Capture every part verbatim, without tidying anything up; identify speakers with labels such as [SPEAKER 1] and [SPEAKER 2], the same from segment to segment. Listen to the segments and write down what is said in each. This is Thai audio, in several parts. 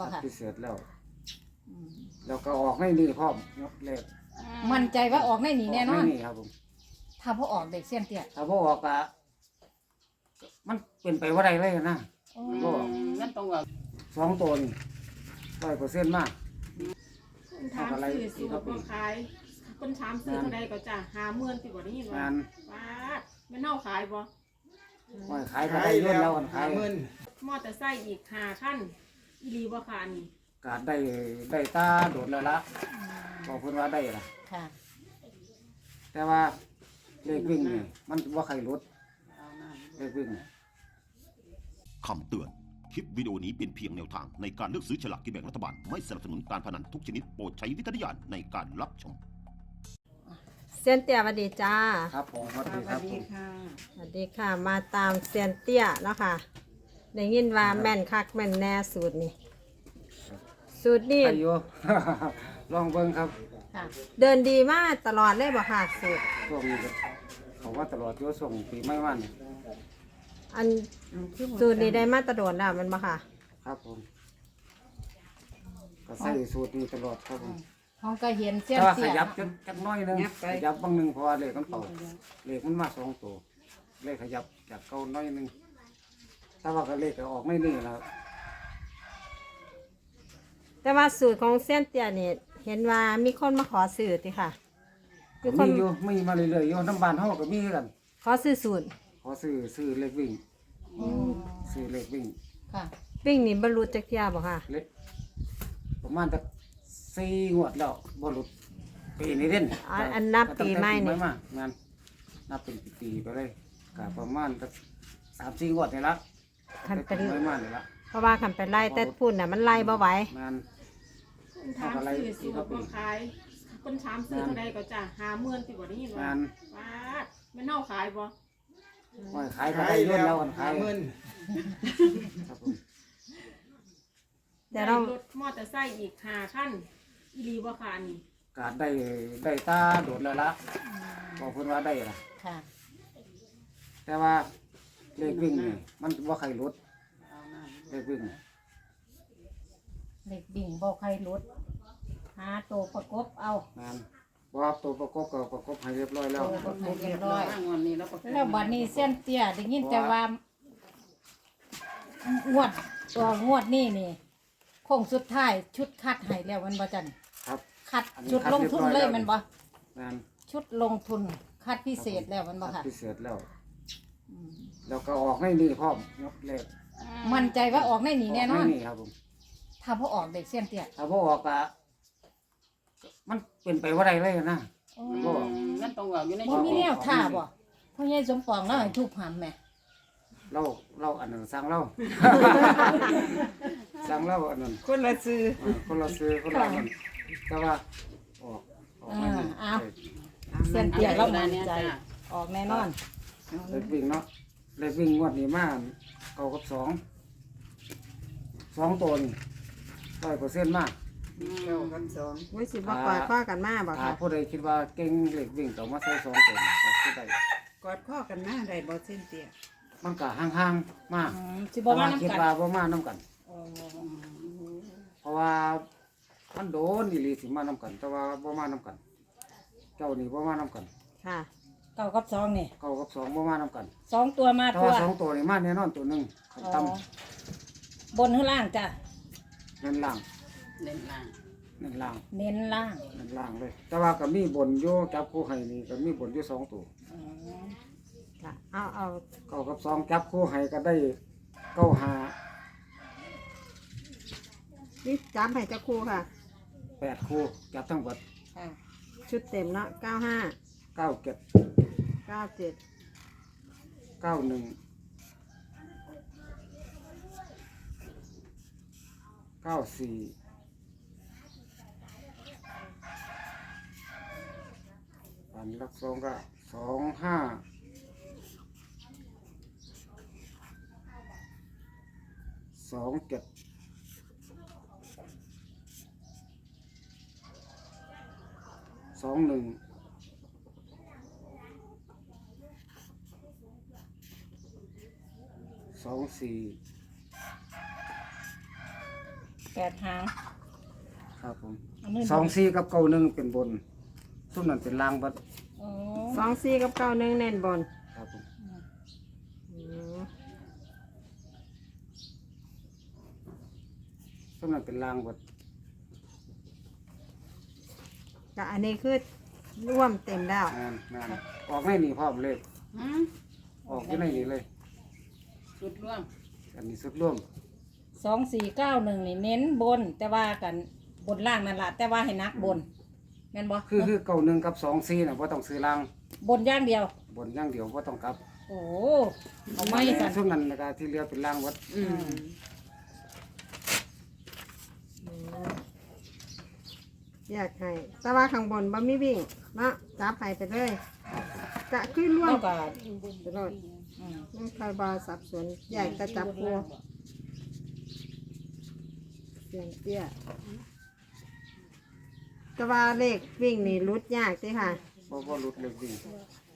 [SPEAKER 1] บ่ค่ะ
[SPEAKER 2] พิเศษแล้วแล้วก็ออกไม่นี่พร้อมงดเลข
[SPEAKER 1] มั่นใจว่าออกในนี่แน่นอน
[SPEAKER 2] ไม่นี่ครับผม
[SPEAKER 1] ถ้าพอออกเด็กเสี้ยนเตี้ย
[SPEAKER 2] ถ้าพ่อออกอะมันเป็นไปว่าไรเลยนะก็
[SPEAKER 3] นั่นตรงว่า
[SPEAKER 2] สองตัวนี่ร้อยเปอร์เซ็นต์มาก
[SPEAKER 4] ถามซื้อสูตรบ่ขายคนถามซื้อเท่าใดก็จะหาเมื่อนที่บ่ได้ยินว่าป้ามันเน่าขายบ่
[SPEAKER 2] ไม่ขายก็ได้เงินแล้วกันขาย
[SPEAKER 4] มอเตอร์ไซค์อีกห้าคันอีหลีบ่ค่ะนี่
[SPEAKER 2] กาดได้ได้ตาโดดแล้วละบอกเพิ่นว่าได้ล่ะ
[SPEAKER 1] ค่ะ
[SPEAKER 2] แต่ว่าเลขวิ่งนี่มันว่าใครลดเลขวิ่ง
[SPEAKER 5] คำเตือนคลิปวิดีโอนี้เป็นเพียงแนวทางในการเลือกซื้อฉลากกินแบ่งรัฐบาลไม่สนับสนุนการพนันทุกชนิดโปรดใช้วิจารณญาณในการรับชม
[SPEAKER 6] เซียนเตี้ยสวัสดีจ้า
[SPEAKER 2] ครับผมสวัสดีครับผม
[SPEAKER 6] สวัสดีค่ะมาตามเซียนเตี้ยเนาะค่ะได้ยินว่าแม่นคักแม่นแน่สูตรนี่สูตรนี่
[SPEAKER 2] อายุ ลองเบิ่งครับ
[SPEAKER 6] เดินดีมากตลอดเลยบ่ค่ะสูตร
[SPEAKER 2] ช่วงนี้เขาว่าตลอดโยส่งปีไม่วัน
[SPEAKER 6] อันสูตรนี้ได้มาตรโดนแล้วมันบ่ค่ะ
[SPEAKER 2] ครับผมก็ใส่สูตรนี้ตลอดครับผม
[SPEAKER 1] ห้องก็เห็นเสี้ยน
[SPEAKER 2] เตี้ยขยับจนจักน้อยนึงขยับบางนึงพอเลขมันเป่าเลขมันมาสองตัวเลขขยับจากเก่าน้อยนึงถ้าว่าก็เลขก็ออกไม่นี่แล้ว
[SPEAKER 6] แต่ว่าสูตรของเซียนเตี้ยนี่เห็นว่ามีคนมาขอซื้อติค่ะ
[SPEAKER 2] มีคนอยู่มีมาเรื่อยๆอยู่น้ำบานห้องก็มีกัน
[SPEAKER 6] ขอซื้อสูตร
[SPEAKER 2] ขอซื้อซื้อเลขวิ่งซื้อเลขวิ่ง
[SPEAKER 1] ค่ะ
[SPEAKER 6] วิ่งนี่บรรลุจักเที่ยบ่ค่ะ
[SPEAKER 2] เลขประมาณสักสี่งวดแล้วบรรลุปีนี้เด่น
[SPEAKER 6] อันนับปีใหม่นี่
[SPEAKER 2] มางานนับเป็นปีไปเลยกับประมาณสักสามสี่งวดนี่ละ
[SPEAKER 6] คันเป็น
[SPEAKER 2] ไม่มากนี่ละ
[SPEAKER 6] เพราะว่าคันเป็นไล่แต่พูดน่ะมันไล่บ่ไหว
[SPEAKER 2] งาน
[SPEAKER 4] ถามซื้อสูตรบ่ขายคนถามซื้อเท่าใดก็จะหาเมื่อนที่บ่ได้ยินว่าป้ามันเน่าขายบ่
[SPEAKER 2] ไม่ขายก็ได้เงินแล้วกันขายเงิน
[SPEAKER 4] เดี๋ยวเรารถมอเตอร์ไซค์อีกห้าคันอีหลีบ่ค่ะนี่
[SPEAKER 2] กาดได้ได้ตาโดดแล้วละบอกเพิ่นว่าได้ล่ะ
[SPEAKER 1] ค่ะ
[SPEAKER 2] แต่ว่าเลขวิ่งนี่มันว่าใครลดเลขวิ่ง
[SPEAKER 1] เลขบิ่งบ่ใครลดหาตัวประกบเอา
[SPEAKER 2] งานว่าตัวประกบก็ประกบให้เรียบร้อยแล้ว
[SPEAKER 1] ให้เรียบร้อยแล้วบัดนี้เส้นเตี้ยได้ยินแต่ว่างวดตัวงวดนี่นี่โค้งสุดท้ายชุดคัดให้แล้วมันบ่จัน
[SPEAKER 2] ครับ
[SPEAKER 1] คัดชุดลงทุนเลยมันบ่
[SPEAKER 2] งาน
[SPEAKER 1] ชุดลงทุนคัดพิเศษแล้วมันบ่ค่ะ
[SPEAKER 2] พิเศษแล้วแล้วก็ออกไม่นี่พร้อมงดเลข
[SPEAKER 1] มั่นใจว่าออกในนี่แน่นอน
[SPEAKER 2] นี่ครับผม
[SPEAKER 1] ถ้าพอออกเด็กเสี้ยนเตี้ย
[SPEAKER 2] ถ้าพอออกอะมันเป็นไปว่าไรเลยนะ
[SPEAKER 3] ก็นั่นตรงว่าอยู่ใน
[SPEAKER 1] บ่มีแนวท่าบ่พ่อใหญ่สมปองแล้วให้ทุบหำแม่
[SPEAKER 2] เราเราอันนั้นสั่งเราสั่งเราอันนั้น
[SPEAKER 6] คนละซื้อ
[SPEAKER 2] คนละซื้อคนละมันแต่ว่าออกออกไม่ดี
[SPEAKER 1] เสี้ยนเตี้ยเรามั่นใจออกแน่นอน
[SPEAKER 2] เลขวิ่งเนาะเลขวิ่งงวดนี้มากเก้ากับสองสองตัวนี่ร้อยเปอร์เซ็นต์มาก
[SPEAKER 6] เก้ากับสองไม่สิบ่กอดข้อกันมาบ่ค่ะ
[SPEAKER 2] ผู้ใดคิดว่าเก่งเลขวิ่งต้องมาใส่สองตัวนี่ก็คือได้
[SPEAKER 6] กอดข้อกันมาได้บ่เส้นเตี้ย
[SPEAKER 2] มันก็ห่างๆมาก
[SPEAKER 1] สิบ่มา
[SPEAKER 2] คิดว่าบ่มาน้ำกันเพราะว่ามันโดนอีหลีสิมาน้ำกันแต่ว่าบ่มาน้ำกันเจ้านี่บ่มาน้ำกัน
[SPEAKER 6] ค่ะ
[SPEAKER 1] เก้ากับสองนี่
[SPEAKER 2] เก้ากับสองบ่มาน้ำกัน
[SPEAKER 1] สองตัวมา
[SPEAKER 2] ตัวสองตัวนี่มาแน่นอนตัวหนึ่งต่
[SPEAKER 1] ำบนหรือล่างจ้ะ
[SPEAKER 2] เน้นล่าง
[SPEAKER 3] เน้นล่าง
[SPEAKER 2] เน้นล่าง
[SPEAKER 1] เน้นล่าง
[SPEAKER 2] เน้นล่างเลยแต่ว่าก็มีบนโยจับคู่ให้นี่ก็มีบนโยสองตัว
[SPEAKER 6] ค่ะเอาเอา
[SPEAKER 2] เก้ากับสองจับคู่ให้ก็ได้เก้าห้า
[SPEAKER 6] นี่จับให้เจ้าคู่ค่ะ
[SPEAKER 2] แปดคู่จับทั้งหมด
[SPEAKER 6] ชุดเต็มเนาะเก้าห้า
[SPEAKER 2] เก้าเจ็ด
[SPEAKER 6] เก้าเจ็ด
[SPEAKER 2] เก้าหนึ่งเก้าสี่อันลักสองก็สองห้าสองเจ็ดสองหนึ่งสองสี่
[SPEAKER 1] แปดหาง
[SPEAKER 2] ครับผม
[SPEAKER 1] อันนี้
[SPEAKER 2] สองสี่กับเก้าหนึ่งเป็นบนซุ่มนั้นเป็นล่างบัด
[SPEAKER 1] อ๋อ
[SPEAKER 6] สองสี่กับเก้าหนึ่งเน้นบน
[SPEAKER 2] ครับผม
[SPEAKER 6] อืม
[SPEAKER 2] ซุ่มนั้นเป็นล่างบัด
[SPEAKER 6] ก็อันนี้คือร่วมเต็มแล้ว
[SPEAKER 2] งานงานออกไม่หนีพร้อมเลย
[SPEAKER 3] หืม
[SPEAKER 2] ออกที่ไหนนี่เลย
[SPEAKER 3] สุดร่วม
[SPEAKER 2] อันนี้สุดร่วม
[SPEAKER 1] สองสี่เก้าหนึ่งนี่เน้นบน แต่ว่ากันบนล่างนั่นแหละแต่ว่าให้นักบนแม่นบ่
[SPEAKER 2] คือคือเก้าหนึ่งกับสองสี่น่ะว่าต้องซื้อล่าง
[SPEAKER 1] บนอย่างเดียว
[SPEAKER 2] บนอย่างเดียวว่าต้องกลับ
[SPEAKER 1] โอ้เอาไม่กัน
[SPEAKER 2] ซุ่มนั้นนะครับที่เหลือเป็นล่างวัด
[SPEAKER 3] อืม
[SPEAKER 6] อยากให้แต่ว่าข้างบนบ่มีวิ่งเนาะจับให้ไปเลยก็คือร่วม
[SPEAKER 1] เท่ากับ
[SPEAKER 6] ไปเลย
[SPEAKER 1] อืม
[SPEAKER 6] ไม่ค่อยบาสับสนอยากจะจับคู่เสียงเตี้ยแต่ว่าเลขวิ่งนี่รุดยากสิค่ะ
[SPEAKER 2] เพราะว่ารุดเล็กวิ่ง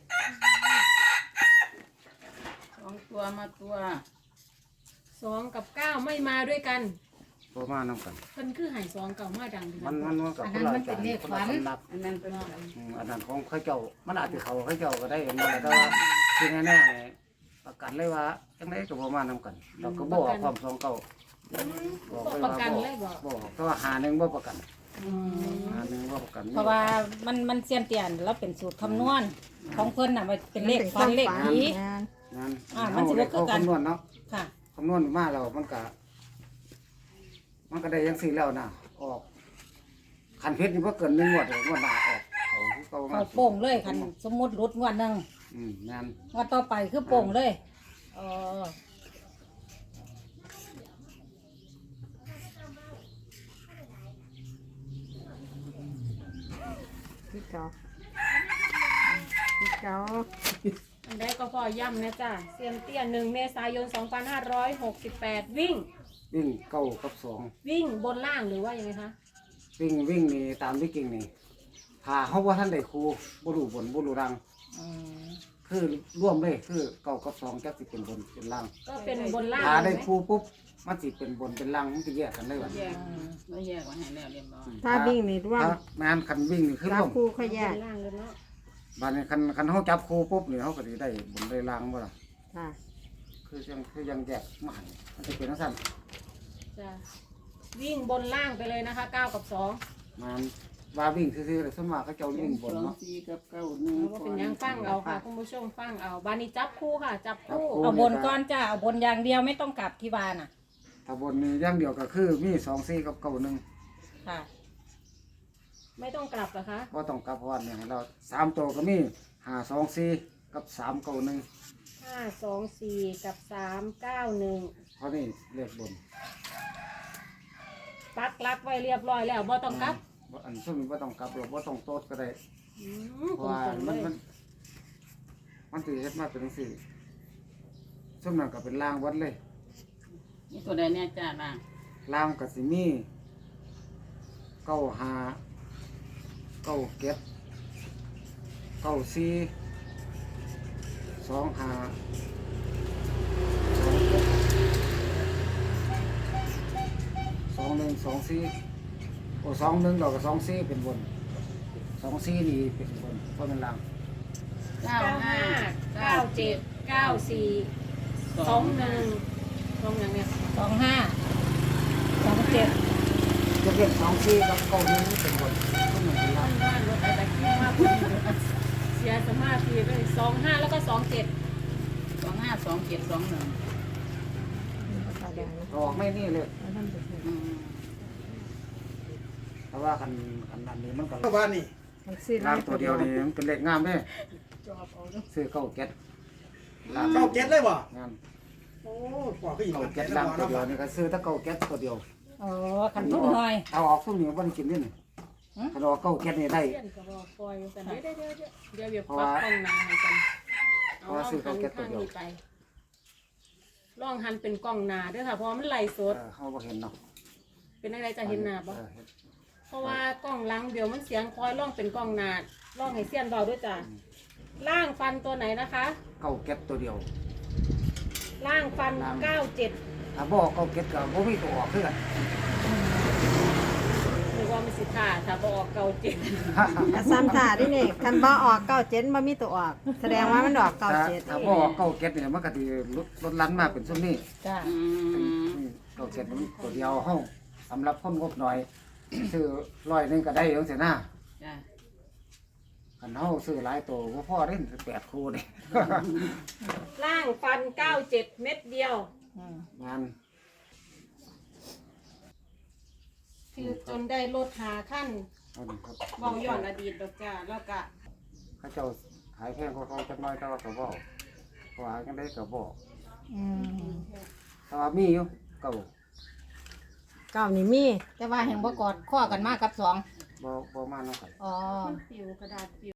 [SPEAKER 3] สองตัวมาตัว
[SPEAKER 4] สองกับเก้าไม่มาด้วยกัน
[SPEAKER 2] เพราะมานำกัน
[SPEAKER 4] เพิ่นคือใหายสองเก่ามาดังดี
[SPEAKER 2] มันมันมันกับคนละอาจารย์คนละสำนัก
[SPEAKER 3] อันนั้นเป็น
[SPEAKER 2] อืมอันนั้นของเข้าเจ้ามันอาจจะเขาเข้าเจ้าก็ได้เห็นมาแต่ว่าที่แน่ๆเนี่ยประกันเลยว่าจังไดก็บ่มานำกันเราก็บ่ออกความสองเก่าบอกเลย
[SPEAKER 4] ประ
[SPEAKER 2] ว่า
[SPEAKER 4] กันเลยบอก
[SPEAKER 2] บ่บอกเพราะว่าหาหนึ่งบ่ประกันหาหนึ่งบ่ประกัน
[SPEAKER 1] เพราะว่ามันมันเสียนเตียนแล้วเป็นสูตรคำนวณของเพิ่นน่ะมันเป็นเลขฟันเลขผี
[SPEAKER 6] งาน
[SPEAKER 2] งั้น
[SPEAKER 1] อ่ามันสิบ่คือกัน
[SPEAKER 2] คำนวณเนาะ
[SPEAKER 1] ค่ะ
[SPEAKER 2] คำนวณมาแล้วมันก็มันก็ได้ยังสี่แล้วนะออกคันเพชรนี่บ่เกินหนึ่งงวดเลยงวดหน้าออกเขาคือเก่ามา
[SPEAKER 1] เขาโป่งเลยคันสมมุติรุดงวดหนึง
[SPEAKER 2] อืมงาน
[SPEAKER 1] งวดต่อไปคือโป่งเลยอ๋อ
[SPEAKER 6] ที่เก่าที่เก่า
[SPEAKER 4] อันใดก็พอย้ำนะจ้ะเซียนเตี้ยหนึ่งเมษายนสองพันห้าร้อยหกสิบแปดวิ่ง
[SPEAKER 2] วิ่งเก้ากับสอง
[SPEAKER 4] วิ่งบนล่างหรือว่ายังไงคะ
[SPEAKER 2] วิ่งวิ่งนี่ตามที่กิ่งนี่ถ้าเขาว่าท่านได้ครูบ่รู้บนบ่รู้รัง
[SPEAKER 1] อืม
[SPEAKER 2] คือร่วมเลยคือเก้ากับสองจักสิเป็นบนเป็นล่าง
[SPEAKER 4] ก็เป็นบนล่าง
[SPEAKER 2] ถ้าได้
[SPEAKER 4] เลยไหม
[SPEAKER 2] ครูปุ๊บมันสิเป็นบนเป็นล่างมันจะแยกกันเลยว่ะ
[SPEAKER 3] แยกไม่แยกไว้ให้แล้วเรียบร้อย
[SPEAKER 6] ถ้าวิ่งนี่ร่วม
[SPEAKER 2] ถ้างานคันวิ่งนี่คือ
[SPEAKER 6] จั
[SPEAKER 2] ร่
[SPEAKER 6] บ
[SPEAKER 2] วม
[SPEAKER 6] คู่ค่อยแย
[SPEAKER 4] บ
[SPEAKER 6] ก
[SPEAKER 4] นล่างเลยเนาะ
[SPEAKER 2] บานนี้คันคันเขาจับครูปุ๊บนี่เขาก็สิได้บนได้ล่างบ่ล่ะ
[SPEAKER 6] ค่ะ
[SPEAKER 2] คือยังคือยังแยกมาให้มันจะเป็นจังซั่น
[SPEAKER 4] จ้ะวิ่งบนล่างไปเลยนะคะเก้ากับสอง
[SPEAKER 2] มันว่าวิ่งซื่อๆเลยสวนมากเขาเจ้าวิ่งบน
[SPEAKER 3] สอง
[SPEAKER 2] เนาะ
[SPEAKER 3] สี่กับเก้าหนึ่ง
[SPEAKER 4] ว่าเป็นยังฟังเอาค่ะคุณผู้ชมฟังเอาบานี้จับคู่ค่ะ จับคู่
[SPEAKER 1] เอาบนก้อนจ้าเอาบนอย่างเดียวไม่ต้องกลับที่บ้านน่ะ
[SPEAKER 2] ถ้าบนนี้อย่างเดียวก็คือมีสองสี่กับเก้าหนึ่ง
[SPEAKER 1] ค่ะ
[SPEAKER 4] ไม่ต้องกลับเหรอคะ
[SPEAKER 2] ก็ต้องกลับเพราะว่าเนี่ยเราสามตัวก็มีห้าสองสี่กับสามเก้าหนึ่ง
[SPEAKER 4] ห้าสองสี่กับสามเก้าหนึ่ง
[SPEAKER 2] เพราะนี่เลขบน
[SPEAKER 4] ปักลักไว้เรียบร้อยแล้วบ่ต้องกลับ
[SPEAKER 2] บ่อันซึ่งว่าต้องกลับหรอกว่าต้องโต๊ดก็ได้
[SPEAKER 4] อืม
[SPEAKER 2] เพ
[SPEAKER 4] ต
[SPEAKER 2] ราะว่า
[SPEAKER 4] รงๆเล
[SPEAKER 2] มัน
[SPEAKER 4] ย
[SPEAKER 2] มันมันถือเฮ็ดมาเป็นจังซี่ซึ่งนั่นก็เป็นล่างวัดเลย
[SPEAKER 3] นี่ตัวใดเนี่ยจ้าล่ะ
[SPEAKER 2] ล่างกับสิมีเก้าห้าเก้าเก็ดเก้าสี่สองห้าสองเจ็ดสองหนึ่งสองสี่โอ้สองหนึ่งเราก็สองสี่เป็นบนสองสี่นี่เป็นบนเพราะเป็นล่าง
[SPEAKER 3] เก้า
[SPEAKER 4] เก้า
[SPEAKER 3] ห้า
[SPEAKER 4] ห้าเก้าเจ็ดเก้าสี่สองหนึ่งสองอย่างเนี้ย
[SPEAKER 1] สองห้าสองเจ็ด
[SPEAKER 2] จะเป็นสองสี่กับเก้าหนึ่งเป็นบนก็เหมือนเป็นล่าง
[SPEAKER 4] บ้านรถอะไรที่มากกว่าเสียสมาธิไปสองห้าแล้วก็สองเจ็ด
[SPEAKER 3] สองห้าสองเจ็ดสองหนึ่ง
[SPEAKER 2] ออกไม่นี่เลย
[SPEAKER 3] อืม
[SPEAKER 2] เพราะว่าคันคันอันนี้มันก็
[SPEAKER 7] เข้าบ้านนี่
[SPEAKER 6] มันซื้อ
[SPEAKER 2] ล่างตัวเดียวนี่มันเป็นเลขงามเด้ซื้อเก้าเก็ดล่าง
[SPEAKER 7] เข้าเก็ตเลยบ่
[SPEAKER 2] งาม
[SPEAKER 7] โอ้ปอกก็อีก
[SPEAKER 2] เก้า
[SPEAKER 7] มัน
[SPEAKER 2] เก็
[SPEAKER 7] เก็
[SPEAKER 2] ด
[SPEAKER 7] ตแล้
[SPEAKER 2] ล่าว งตัว
[SPEAKER 7] เนาะ
[SPEAKER 2] เดียวนี่ก็ซื้อถ้าเก้าเก็ดตัวเดียว
[SPEAKER 1] อ๋อขันทุนหน่อย
[SPEAKER 2] เอาออกซุ่มนี่บ่ได้กินนี่นี่ถ้าเราเก้าเก็ดนี่ได้
[SPEAKER 4] เพื่อนก็บอกปล่อยกันเดี๋ยวเดี๋ยวเดี๋ยวเดี๋ยวเดี๋ยวปักกล้องหนาให้กันเอาลองหันข้างนี้ไปลองหันเป็นกล้องหนาด้วยค่ะเพราะมันไหลส
[SPEAKER 2] เอ
[SPEAKER 4] ด
[SPEAKER 2] อเฮาบ่เห็นเนาะ
[SPEAKER 4] เป็นอะไรจะเห็นหนาปะ
[SPEAKER 2] เออเห็น
[SPEAKER 4] เพราะว่ากล้องหลังเดี๋ยวมันเสียงคอยล่องเป็นกล้องหนาล่องให้เสี้ยนเบาด้วยจ้ะล่างฟันตัวไหนนะคะ
[SPEAKER 2] เก้าเก็ดตัวเดียว
[SPEAKER 4] ล่างฟันเก้าเจ็ด
[SPEAKER 2] ถ้าบ่เก้าเก็ดก็บ่มีตัวออกคือกัน
[SPEAKER 1] อ
[SPEAKER 4] ค่ะถ้าบออกเก่าเจ็ด
[SPEAKER 6] กระซ้ำท่าที่นี่คันบ่ออกเก้าเจ็ดบ่มีตัวออก แสดงว่ามันออกเก้า
[SPEAKER 2] ถ้า
[SPEAKER 6] เจ็ด
[SPEAKER 2] ถ้าบ่ออกเก้าเก็ดเนี่ยมันก็สิลดลดลันมาเป็นซุมนี้
[SPEAKER 1] จ้า
[SPEAKER 3] อืม
[SPEAKER 2] อืมเก้าเก็ดมันตัวเดียวเฮาสำหรับคนงบหน่อย ซื้อร้อยหนึงก็ได้จังซี่นะ
[SPEAKER 3] จ้ะ
[SPEAKER 2] คันเฮาซื้อหลายตัวบ่พอเด้แปดคู่นี่
[SPEAKER 4] ล่างฟันเก้าเจ็ดเม็ดเดียว
[SPEAKER 1] อืม
[SPEAKER 2] งาน
[SPEAKER 4] คือจนได้ลดหาขั้น
[SPEAKER 2] เอาหนึ่งครับ
[SPEAKER 4] เบาย่อนอดีตดอกจ้าแล้วก็
[SPEAKER 2] เขาเจ้าขายแพงกว่าเขาจักหน่อยแต่ว่าก็บ่เพราะว่าจังได๋ก็บ่
[SPEAKER 1] อืม
[SPEAKER 2] แต่ว่ามีอยู่เก่า
[SPEAKER 6] เก้านี่มี
[SPEAKER 1] แต่ว่าแห่งบ่กอดข้อกันมากกับสอง
[SPEAKER 2] บ่บ่มานำกัน
[SPEAKER 1] อ๋อ
[SPEAKER 4] ปิวกระดาษปิว